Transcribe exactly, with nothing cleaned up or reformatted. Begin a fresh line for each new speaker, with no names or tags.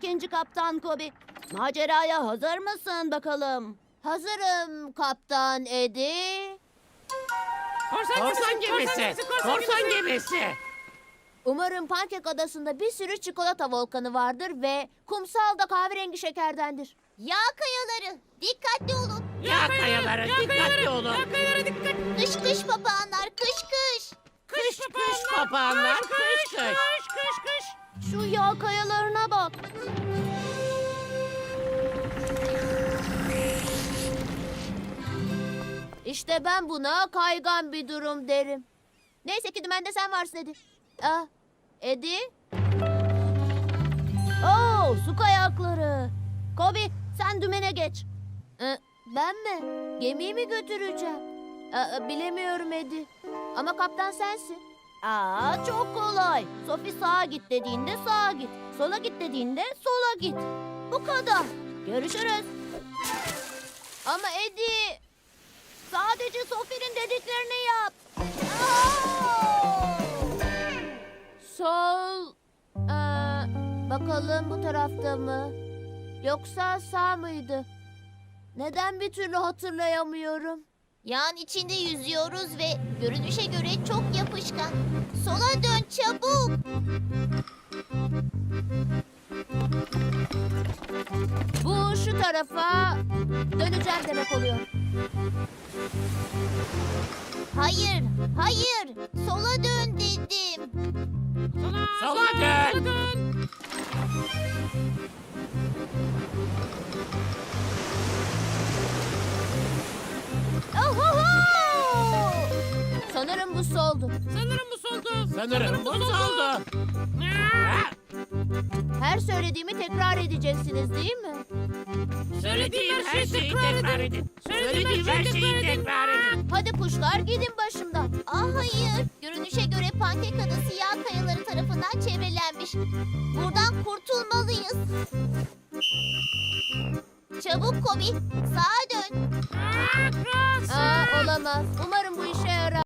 ikinci kaptan Kobi. Maceraya hazır mısın bakalım? Hazırım kaptan Eddie.
Korsan gemisi, korsan gemisi.
Umarım Pankek Adası'nda bir sürü çikolata volkanı vardır ve kumsal da kahverengi şekerdendir. Yağ kayaları, dikkatli olun.
Yağ kayaları, dikkatli olun.
Kış kış papağanlar, kış kış.
Kış kış papağanlar, kış kış.
Şu yağ kayalarına bak. İşte ben buna kaygan bir durum derim. Neyse ki dümende sen varsın Edi. Ah, Edi? Oo, su kayakları. Kobi, sen dümene geç. Ee, ben mi? Gemiyi mi götüreceğim? Aa, bilemiyorum Edi. Ama kaptan sensin. Aa, çok kolay. Sophie sağa git dediğinde sağa git. Sola git dediğinde sola git. Bu kadar. Görüşürüz. Ama Edi, sadece Sophie'nin dediklerini yap. Aa! Sol. Ee, bakalım bu tarafta mı? Yoksa sağ mıydı? Neden bir türlü hatırlayamıyorum?
Yağın içinde yüzüyoruz ve görünüşe göre çok yapışkan. Sola dön çabuk.
Bu şu tarafa döneceğim demek oluyor.
Hayır, hayır. Sola dön dedim.
Sola dön.
Ohoho! Sanırım bu soldu.
Sanırım bu soldu. Sanırım bu soldu.
Her söylediğimi tekrar edeceksiniz değil mi?
Söylediğim her şeyi tekrar edin. Söylediğim her şeyi tekrar edin.
Hadi kuşlar gidin başımdan.
Ah hayır. Görünüşe göre Pankek Adası yağ kayaları tarafından çevrelenmiş. Buradan kurtulmalıyız. Çabuk Kobi, sağa dön.
Aa, olamaz. Umarım bu işe yarar.